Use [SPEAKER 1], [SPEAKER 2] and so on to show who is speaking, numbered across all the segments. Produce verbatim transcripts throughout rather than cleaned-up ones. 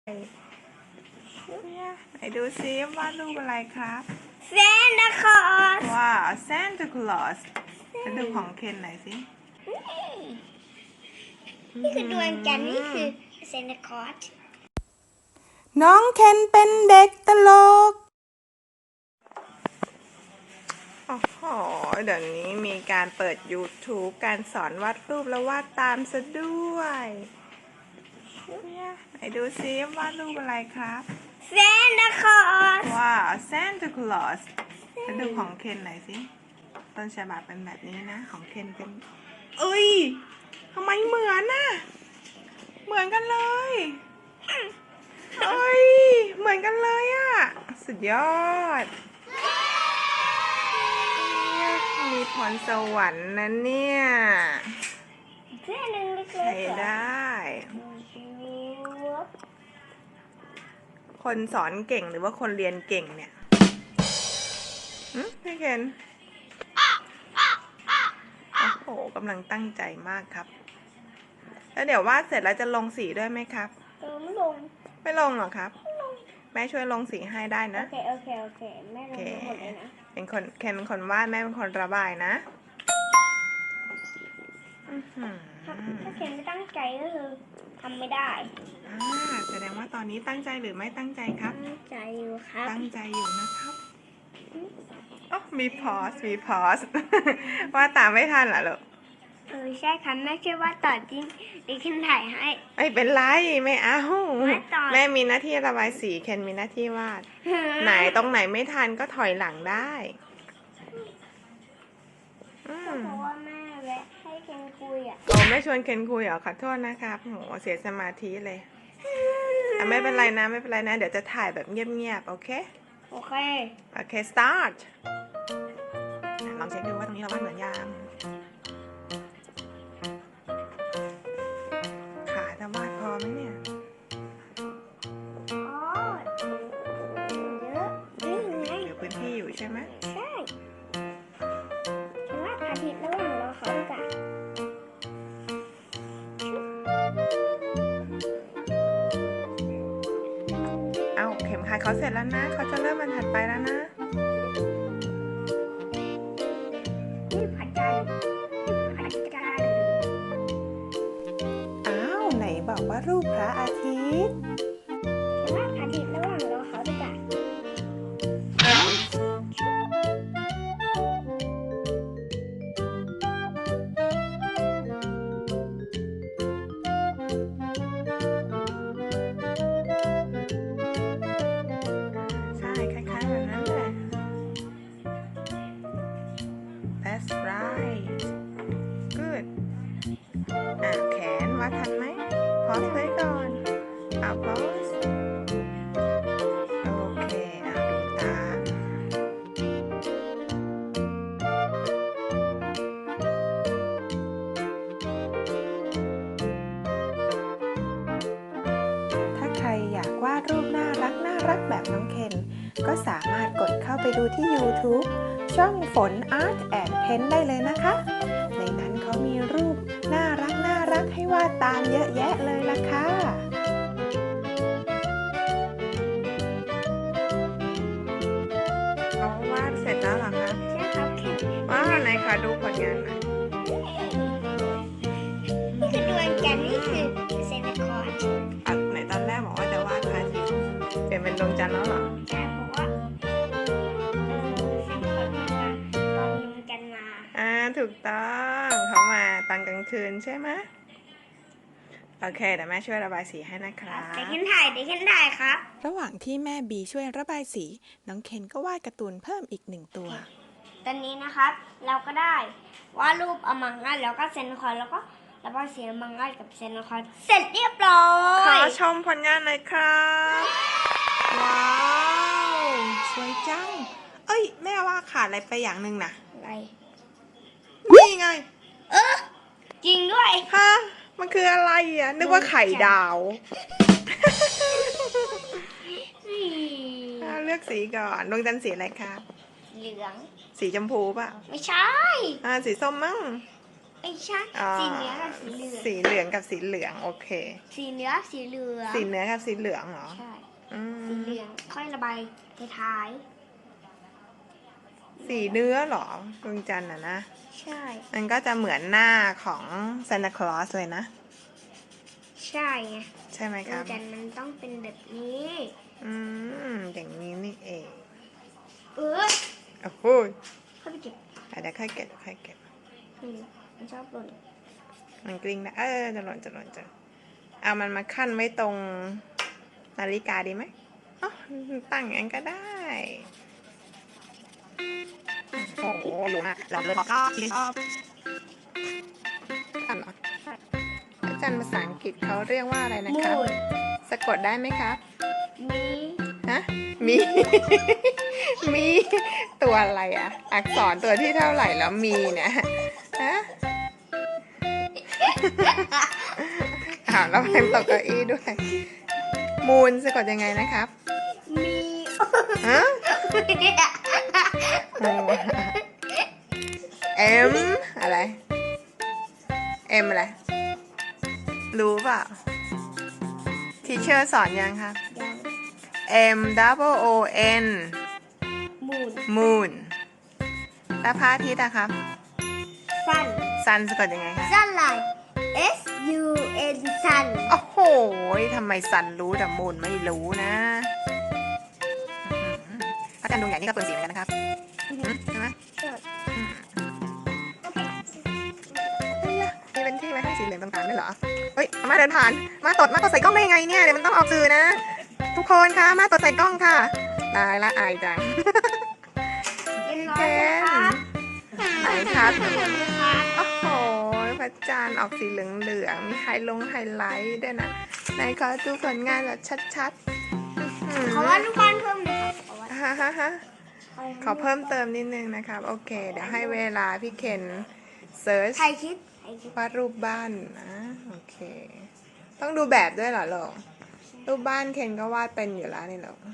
[SPEAKER 1] เนี่ยไหนดูซิวาดรูปอะไรครับ
[SPEAKER 2] เซนต์คลอส
[SPEAKER 1] ว้าวซานตาคลอสมาดูของเคนหน่อยสิ
[SPEAKER 2] นี่คือดวงจันทร์นี่คือเซนต์คลอส
[SPEAKER 1] น้องเคนเป็นเด็กตลกโอ้โหเดี๋ยวนี้มีการเปิด ยูทูบ การสอนวาดรูปแล้ววาดตามซะด้วยเนี่ยไหนดูซิวาดรูปอะไรครับ
[SPEAKER 2] เซนต์คลอส
[SPEAKER 1] ว้าวซานตาคลอสมาดูของเคนหน่อยสิต้นฉบับเป็นแบบนี้นะของเคนเป็นเอ้ยทำไมเหมือนน่ะเหมือนกันเลยเอ้ยเหมือนกันเลยอะสุดยอดมีพรสวรรค์นะเนี่ย
[SPEAKER 2] เส้นหนึ่งเล็กๆ
[SPEAKER 1] ใช้ได้ คนสอนเก่งหรือว่าคนเรียนเก่งเนี่ยหืมพี่เคนโอ้โหกำลังตั้งใจมากครับแล้วเดี๋ยววาดเสร็จแล้วจะลงสีด้วยไหมครับ
[SPEAKER 2] เออไม่ลง
[SPEAKER 1] ไม่ลงหรอครับแม่ช่วยลงสีให้ได้
[SPEAKER 2] โอ
[SPEAKER 1] นะ
[SPEAKER 2] เคโอเคโอเคแม่ลงทั้งหมดเลยนะ
[SPEAKER 1] เป็นคนเคนเป็นคนวาดแม่เป็นคนระบายนะอื้อหือ
[SPEAKER 2] ถ้าถ้าเคนไม่ตั้งใจก็คือทำไม่ได้
[SPEAKER 1] อ่าแสดงว่าตอนนี้ตั้งใจหรือไม่ตั้งใจครับ
[SPEAKER 2] ตั้งใจอยู่ครับ
[SPEAKER 1] ตั้งใจอยู่นะครับอ๋อมีพอสมีพอส ว่าตามไม่ทันเหรอลูก
[SPEAKER 2] เออใช่ครับแม่ช่วยว่าต่อจริงดิฉันถ่ายให้
[SPEAKER 1] ไม่เป็นไรไม่เอา
[SPEAKER 2] ไม่ต่อ
[SPEAKER 1] แม่มีหน้าที่ระบายสีเคนมีหน้าที่วาด ไหนตรงไหนไม่ทันก็ถอยหลังได้อืม
[SPEAKER 2] เพราะว่าแม่แวะให้เคนคุยอ่ะ
[SPEAKER 1] โอ้ไม่ชวนเคนคุยเหรอขอโทษนะครับโหเสียสมาธิเลยอ่ะไม่เป็นไรนะไม่เป็นไรนะ เดี๋ยวจะถ่ายแบบเงียบๆโอเค
[SPEAKER 2] โอเค
[SPEAKER 1] โอเค start อ่ะลองเช็คดูว่าตรงนี้เราวาดเหมือนยังขาจะวาดพอไหมเนี่ย
[SPEAKER 2] อ๋อเยอะนี่ไง
[SPEAKER 1] เหลือพื้นที่อยู่ใช่ไหม
[SPEAKER 2] ใช่ฉันว่าอาทิตย์ระหว่างรอเขาดีกว่า
[SPEAKER 1] เอ้าเข็มขัดเขาเสร็จแล้วนะเขาจะเริ่มบรรทัดไปแล้วนะ
[SPEAKER 2] นี่พระจันทร์พระจันทร์
[SPEAKER 1] อ้าวไหนบอกว่ารูปพระอาทิตย์
[SPEAKER 2] ฉันว่าอาทิตย์ระหว่างรอเขาดีกว่า
[SPEAKER 1] ใช่คล้ายๆแบบนั้นแหละ That's right good อ่ะแขนวัดทันไหมพอสไว้ก่อนเอาพอสโอเคอ่ะดูตามถ้าใครอยากวาดรูปน่ารักน่ารักแบบน้องเคนก็สามารถกดเข้าไปดูที่ ยูทูบ ช่องฝน Art and Pen ได้เลยนะคะ ในนั้นเขามีรูปน่ารักน่ารักให้วาดตามเยอะแยะเลยล่ะค่ะเอาวาดเสร็จแล้วเหรอคะ
[SPEAKER 2] ใช่ครับแค่
[SPEAKER 1] ว้าวไหนคะดูผลงานหน่อย
[SPEAKER 2] นี่คือดวงจันทร์นี่คือเซนต์คลอส
[SPEAKER 1] อ่ะไหนตอนแรกบอกว่าจะวาดพระอาทิตย์เปลี่ยนเป็นดวงจันทร์แล้วเหรอ
[SPEAKER 2] ใช่เพราะว่าเออเซนต์คลอสมาตอนดวงจันทร์มา
[SPEAKER 1] อ่าถูกต้องเขามาตอนกลางคืนใช่ไหมโอเคเดี๋ยวแม่ช่วยระบายสีให้นะครับ
[SPEAKER 2] เดี๋ยวฉันถ่ายเดี๋ยวฉันถ่ายครับ
[SPEAKER 1] ระหว่างที่แม่บีช่วยระบายสี น้องเคนก็วาดการ์ตูนเพิ่มอีกหนึ่งตัว
[SPEAKER 2] ตอนนี้นะครับ เราก็ได้วาดรูปอมังงัสแล้วก็เซนต์คลอสแล้วก็ระบายสีอมังงัสกับเซนต์คลอสเสร็จเรียบร้อ
[SPEAKER 1] ขอย ชมผลงานหน่อยครับ ว้าว สวยจัง เอ้ย แม่ว่าขาดอะไรไปอย่างหนึ่งนะ
[SPEAKER 2] อะไร
[SPEAKER 1] นี่ไง
[SPEAKER 2] เออจริงด้วย
[SPEAKER 1] ฮะ มันคืออะไรอ่ะ นึกว่าไข่ดาวอ่าเลือกสีก่อนดวงจันทร์สีอะไรครับ
[SPEAKER 2] เหลือง
[SPEAKER 1] สีชมพูป่ะ
[SPEAKER 2] ไม่ใช่
[SPEAKER 1] อ่า สีส้มมั้ง
[SPEAKER 2] เไม่ใช่
[SPEAKER 1] อ๋อ
[SPEAKER 2] สีเนื้อกับสีเหลือง
[SPEAKER 1] สีเหลืองกับสีเหลืองโอเค
[SPEAKER 2] สีเนื้อสีเหลือง
[SPEAKER 1] สีเนื้อกับสีเหลืองเหรอ
[SPEAKER 2] ใช่
[SPEAKER 1] อืม
[SPEAKER 2] สีเหลืองค่อยระบายท้าย
[SPEAKER 1] สีเนื้อเหรอดวงจันทร์อะนะ
[SPEAKER 2] ๆใช่
[SPEAKER 1] มันก็จะเหมือนหน้าของซานตาคลอสเลยนะ
[SPEAKER 2] ใช่ไง
[SPEAKER 1] ใช่ไหมครับ
[SPEAKER 2] แต่มันต้องเป็นแบบนี้
[SPEAKER 1] อืมอย่างนี้นี่เอง
[SPEAKER 2] เออ
[SPEAKER 1] โอ้โห
[SPEAKER 2] เข้าไปเก็บ
[SPEAKER 1] อ่ะเดี๋ยวค่อยเก็บเดี๋ยวค่อยเก็บ
[SPEAKER 2] อืมมันชอบหล่น
[SPEAKER 1] มันกลิ้งนะเออจะหล่นจะหล่นจะเอามันมาขั้นไว้ตรงนาฬิกาดีไหมอ๋อตั้งอย่างนั้นก็ได้โอ้โหหลวมอ่ะหลอมเลยก็ยิงออฟอันเหรออาจารย์ภาษาอังกฤษเขาเรียกว่าอะไรนะ
[SPEAKER 2] มู
[SPEAKER 1] ครับ
[SPEAKER 2] น
[SPEAKER 1] สะกดได้ไหมครับ
[SPEAKER 2] มี
[SPEAKER 1] ฮะมี มี ตัวอะไรอ่ะ อักษรตัวที่เท่าไหร่แล้วมีเนี่ยฮะ อ้าวแล้วแพมตกเก้าอี้ด้วย มูนสะกดยังไงนะครับ
[SPEAKER 2] มี
[SPEAKER 1] ฮะเอ็มอะไรเอ็มอะไร รู้เปล่าทีเชอร์สอนยังครับ
[SPEAKER 2] ยัง
[SPEAKER 1] M double O N
[SPEAKER 2] มูน
[SPEAKER 1] moon แล้วพระอาทิตย์อะครับ
[SPEAKER 2] ซัน
[SPEAKER 1] sun สะกดยังไงคะ
[SPEAKER 2] ซันไลน์ S U N ซัน
[SPEAKER 1] โอ้โหทำไม sun รู้แต่ moon ไม่รู้นะพระจันทร์ดวงใหญ่นี่ก็เปลืองสีเหมือนกันนะครับใช่ไหม มีเป็นที่ไว้ให้สีเหลืองต่างๆด้วยเหรอ เฮ้ย มาเดินผ่าน มาตด มาตดใส่กล้องได้ยังไงเนี่ย เดี๋ยวมันต้องออกสื่อนะ ทุกคนคะมาตดใส่กล้องค่ะ ตายละอายจัง
[SPEAKER 2] เรียบร้อยแล้วครับ
[SPEAKER 1] ไหนครับ
[SPEAKER 2] ครับ
[SPEAKER 1] โอ้โห พระจันทร์ออกสีเหลืองๆ มีไฮลงไฮไลท์ด้วยนะไหนขอดูผลงานแบบชัดๆ
[SPEAKER 2] ขอว่าลูกบอลเพิ่มหน่อยครับขอว่า
[SPEAKER 1] ฮ่าฮ่าฮ่าขอเพิ่มเติมนิดนึงนะครับ โอเค เดี๋ยวให้เวลาพี่เคนเซิร์ช
[SPEAKER 2] ใครคิดใครคิด
[SPEAKER 1] วาดรูปบ้านนะโอเค ต้องดูแบบด้วยเหรอลูกรูปบ้านเคนก็วาดเป็นอยู่แล้วนี่หรอก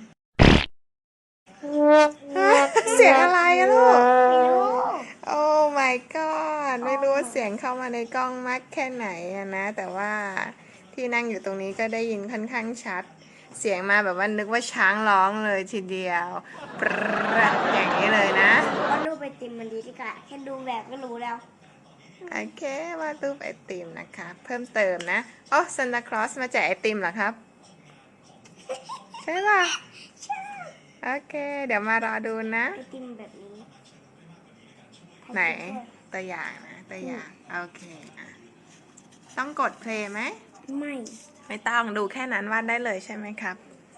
[SPEAKER 1] เสียงอะไรอะลูก
[SPEAKER 2] ไม่รู้
[SPEAKER 1] โอ้ my god ไม่รู้ว่าเสียงเข้ามาในกล้องมากแค่ไหนอะนะ แต่ว่าที่นั่งอยู่ตรงนี้ก็ได้ยินค่อนข้างชัด เสียงมาแบบว่านึกว่าช้างร้องเลยทีเดียวปรัดอย่างนี้เลยนะ
[SPEAKER 2] ว่ารูปไปติมมันดีดีกว่าแค่ดูแบบก็รู้แล้ว
[SPEAKER 1] โอเควาดรูปไอติมนะคะเพิ่มเติมนะโอ้ซันตาคลอสมาแจกไอติมเหรอครับ ใช่ป่ะโอเค เดี๋ยวมารอดูนะ
[SPEAKER 2] ไอติมแบบนี้
[SPEAKER 1] ไหนตัวอย่างนะตัวอย่างโอเคอ่ะต้องกดเพลย์ไหม
[SPEAKER 2] ไม่
[SPEAKER 1] ไม่ต้องดูแค่นั้นวาดได้เลยใช่ไหมครับ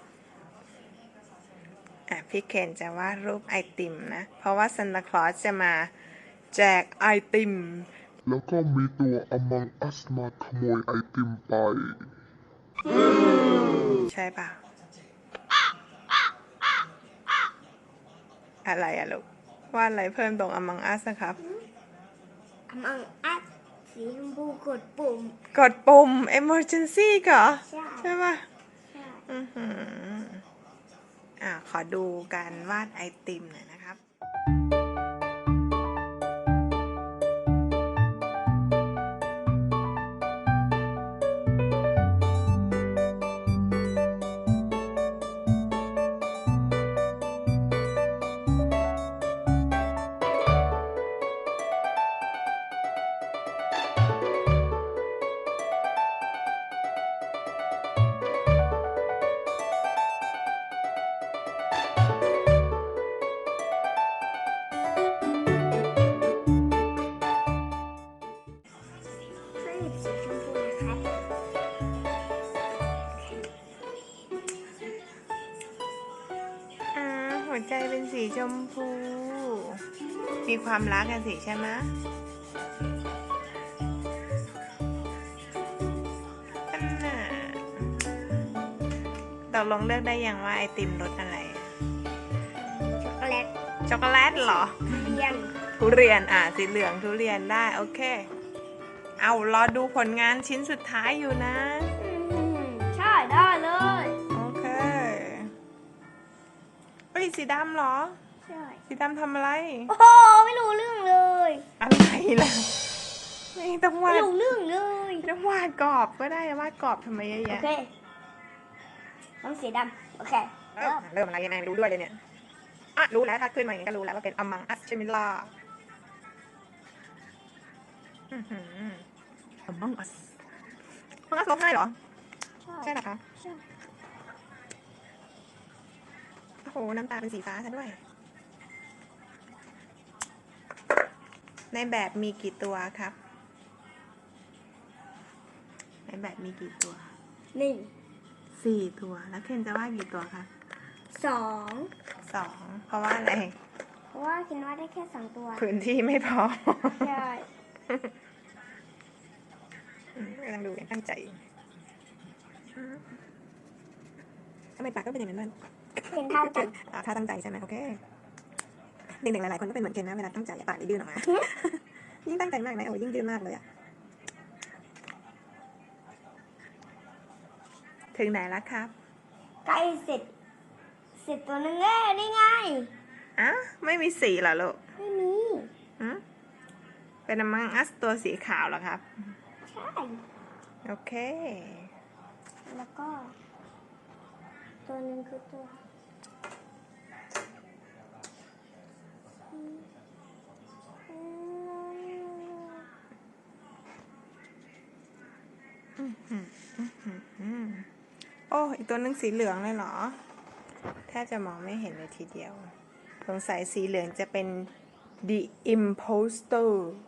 [SPEAKER 1] อ่ะพี่เคนจะวาดรูปไอติมนะ เพราะว่าซันตาคลอสจะมาแจกไอติม
[SPEAKER 3] แล้วก็มีตัว Among Us มาขโมยไอติมไป
[SPEAKER 1] ใช่ป่ะอะไรอะลูกวาดอะไรเพิ่มตรง Among Us นะครับ
[SPEAKER 2] อมังอัดสีชมพูกดปุ่ม
[SPEAKER 1] กดปุ่ม emergency ก่อ
[SPEAKER 2] ใช่
[SPEAKER 1] ใช่ป่ะ
[SPEAKER 2] ใช่
[SPEAKER 1] อือหืออ่ะขอดูการวาดไอติมหน่อยนะครับ
[SPEAKER 2] ช่วยหยิบสีชมพูนะครับ
[SPEAKER 1] อ่าหัวใจเป็นสีชมพู มีความรักกันสิใช่ไหมอันน่ะตกลงเลือกได้ยังว่าไอติมรสอะไร
[SPEAKER 2] ช็อกโกแลต
[SPEAKER 1] ช็อกโกแลตเหรอ
[SPEAKER 2] เรียน
[SPEAKER 1] ทุเรียนอ่ะสีเหลืองทุเรียนได้ โอเค เอารอดูผลงานชิ้นสุดท้ายอยู่นะ
[SPEAKER 2] อืมใช่ได้เลย
[SPEAKER 1] โอเคเฮ้ยสีดำเหรอ
[SPEAKER 2] ใช่
[SPEAKER 1] สีดำทำอะไร
[SPEAKER 2] โอ้โห ไม่รู้เรื่องเลย
[SPEAKER 1] อะไรล่ะไม่ต้องวา
[SPEAKER 2] ไม่
[SPEAKER 1] ด
[SPEAKER 2] รู้เรื่องเลย
[SPEAKER 1] ไม่ต้องวาดกรอบก็ได้วาดกรอบทำไมเยอะ
[SPEAKER 2] โอ
[SPEAKER 1] แยะ
[SPEAKER 2] เคต้องสีดำโอเค
[SPEAKER 1] เริ่
[SPEAKER 2] เริ่
[SPEAKER 1] ม
[SPEAKER 2] ม
[SPEAKER 1] เริ่มอะไรยังไงไม่รู้ด้วยเลยเนี่ยอ่ะรู้แล้วถ้าขึ้นมาอย่างนี้ก็รู้แล้วว่าเป็น Among Us ใช่ไหมล่ะอื้อหือ Among Us Among Us ร้องไห้เหรอ ใช่เหรอคะ
[SPEAKER 2] ใช่
[SPEAKER 1] โอ้โห น้ำตาเป็นสีฟ้าซะด้วย ในแบบมีกี่ตัวครับ ในแบบมีกี่ตัว
[SPEAKER 2] หนึ่ง
[SPEAKER 1] สี่ตัว แล้วเคนจะวาดกี่ตัวคะ
[SPEAKER 2] สอง
[SPEAKER 1] สอง เพราะว่าอะไร
[SPEAKER 2] เพราะว่าคิดว่าได้แค่สองตัว
[SPEAKER 1] พื้นที่ไม่พอ
[SPEAKER 2] ใช่
[SPEAKER 1] อืมกำลังดูอย่างตั้งใจอืมทำไมปากก็เป็นอย่างนั้นบ้าง
[SPEAKER 2] เป็นท่าจัด
[SPEAKER 1] อ่าถ้าตั้งใจใช่ไหมโอเค เด็กๆหลายๆคนก็เป็นเหมือนเคนนะเวลาตั้งใจปากจะยื่นออกมา ยิ่งตั้งใจมากนะโอ้ยิ่งยื่นมากเลยอะถึงไหนแล้วครับ
[SPEAKER 2] ใกล้เสร็จ เสร็จตัวนึงแล้วนี่ไง
[SPEAKER 1] อ่ะไม่มีสีเหรอลูก
[SPEAKER 2] ไม่มี
[SPEAKER 1] อืมเป็น Among Us ตัวสีขาวเหรอครับ
[SPEAKER 2] ใช่
[SPEAKER 1] โอเค
[SPEAKER 2] แล้วก็ ตัวหนึ่งคือตัว
[SPEAKER 1] โอ้อีกตัวหนึงสีเหลืองเลยเหรอ แทบจะมองไม่เห็นเลยทีเดียว สงสัยสีเหลืองจะเป็น The Imposter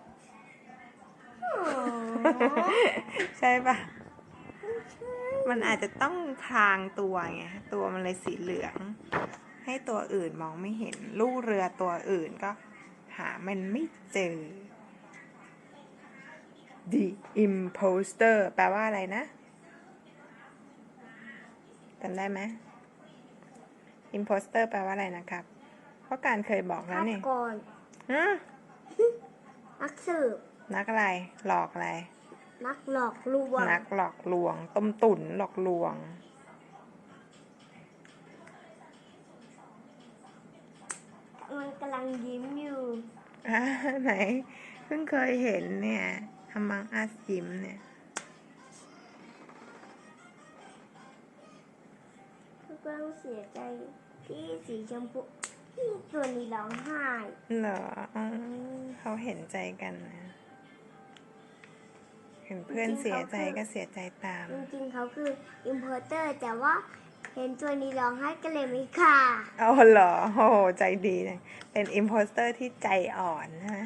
[SPEAKER 1] ใช่ปะ มันอาจจะต้องพรางตัวไง ตัวมันเลยสีเหลือง ให้ตัวอื่นมองไม่เห็น ลูกเรือตัวอื่นก็หามันไม่เจอ The Imposter แปลว่าอะไรนะจำได้ไหม Imposter แปลว่าอะไรนะครับ เพราะการเคยบอกแล้ว
[SPEAKER 2] ฆาต
[SPEAKER 1] นี่
[SPEAKER 2] กร
[SPEAKER 1] ฮะ
[SPEAKER 2] นักสืบ
[SPEAKER 1] นักอะไร หลอกอะไร
[SPEAKER 2] นักหลอกลวง
[SPEAKER 1] นักหลอกลวง ต้มตุ๋นหลอกลวง
[SPEAKER 2] มันกำลังยิ้มอยู่
[SPEAKER 1] อ่าไหน เพิ่งเคยเห็นเนี่ย Among Us ยิ้มเนี่ย
[SPEAKER 2] มันกำลังเสียใจที่สีชมพูที่ตัวนี้ร้องไห้
[SPEAKER 1] เหรออ๋อเขาเห็นใจกันนะ เห็นเพื่อนเสียใจก็เสียใจตาม
[SPEAKER 2] จริงๆเขาคืออิมพอร์เตอร์แต่ว่าเห็นตัวนี้ร้องไห้ก็เลยไม่ฆ่า
[SPEAKER 1] เอาเหรอ โอ้โห ใจดีเลยเป็นอิมโพสเตอร์ที่ใจอ่อนนะ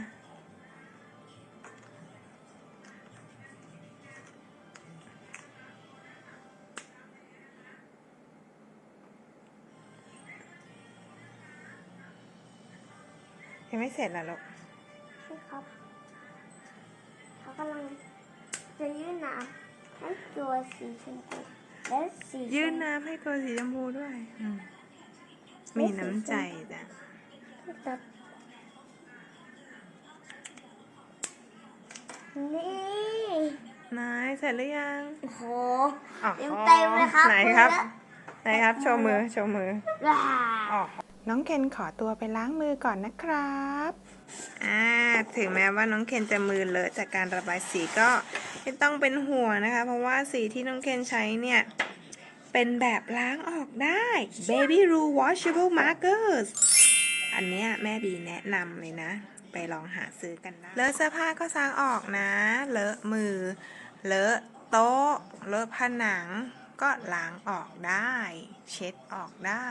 [SPEAKER 1] ยังไม่เสร็จเหรอลูก
[SPEAKER 2] ใช่ครับ เขากำลังจะยื่นน้ำให้ตัวสีชมพูและสีชม
[SPEAKER 1] ยื่นน้ำให้ตัวสีชมพูด้วยอืมมีน้ำใจจ้ะ
[SPEAKER 2] ตัดนี่
[SPEAKER 1] นายเสร็จหรือยัง
[SPEAKER 2] โอ้โห
[SPEAKER 1] อ๋อ
[SPEAKER 2] เต็มเต็มเลยครับ
[SPEAKER 1] ไหนครับ
[SPEAKER 2] มือละ
[SPEAKER 1] ไหนครับ โชว์มือ โชว์มือ
[SPEAKER 2] ว้า
[SPEAKER 1] อ๋อน้องเคนขอตัวไปล้างมือก่อนนะครับ อ่า ถึงแม้ว่าน้องเคนจะมือเลอะจากการระบายสีก็ไม่ต้องเป็นห่วงนะคะ เพราะว่าสีที่น้องเคนใช้เนี่ย เป็นแบบล้างออกได้ Baby Rule Washable Markers อันเนี้ยแม่บีแนะนำเลยนะ ไปลองหาซื้อกันได้ เลอะเสื้อผ้าก็ซักออกนะ เลอะมือ เลอะโต๊ะ เลอะผนัง ก็ล้างออกได้ เช็ดออกได้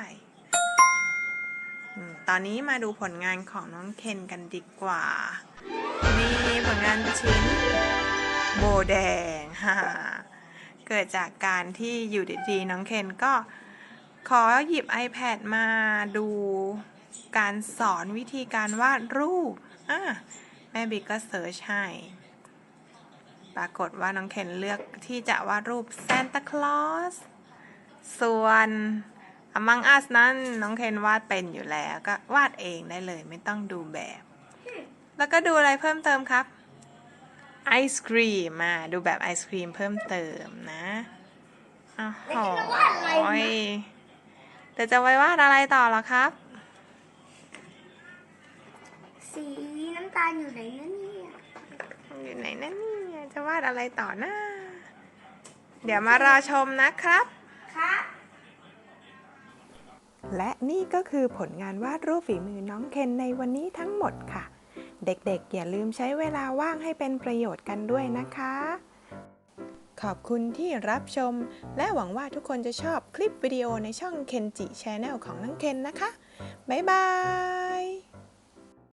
[SPEAKER 1] อืมตอนนี้มาดูผลงานของน้องเคนกันดีกว่า นี่ผลงานชิ้นโบแดง ฮ่า เกิดจากการที่อยู่ดีๆน้องเคนก็ขอหยิบ iPad มาดูการสอนวิธีการวาดรูปอ่ะแม่บิ๊กก็เสิร์ชให้ ปรากฏว่าน้องเคนเลือกที่จะวาดรูปซานตาคลอส ส่วน Among Us นั้นน้องเคนวาดเป็นอยู่แล้วก็วาดเองได้เลยไม่ต้องดูแบบ แล้วก็ดูอะไรเพิ่มเติมครับ ไอศครีมมาดูแบบไอศครีมเพิ่มเติมนะอ้าวโหยเดี๋ยวจะไว้วาดอะไรต่อเหรอครับ
[SPEAKER 2] สีน้ำตาลอยู่ไหนนั่นเนี่ย
[SPEAKER 1] ออยู่ไหนนั่นนี่จะวาดอะไรต่อนะเดี๋ยวมารอชมนะครับ
[SPEAKER 2] ครับ
[SPEAKER 1] และนี่ก็คือผลงานวาดรูปฝีมือน้องเคนในวันนี้ทั้งหมดค่ะ เด็กๆอย่าลืมใช้เวลาว่างให้เป็นประโยชน์กันด้วยนะคะ ขอบคุณที่รับชมและหวังว่าทุกคนจะชอบคลิปวิดีโอในช่อง Kenji Channel ของน้องเคนนะคะ บ๊ายบาย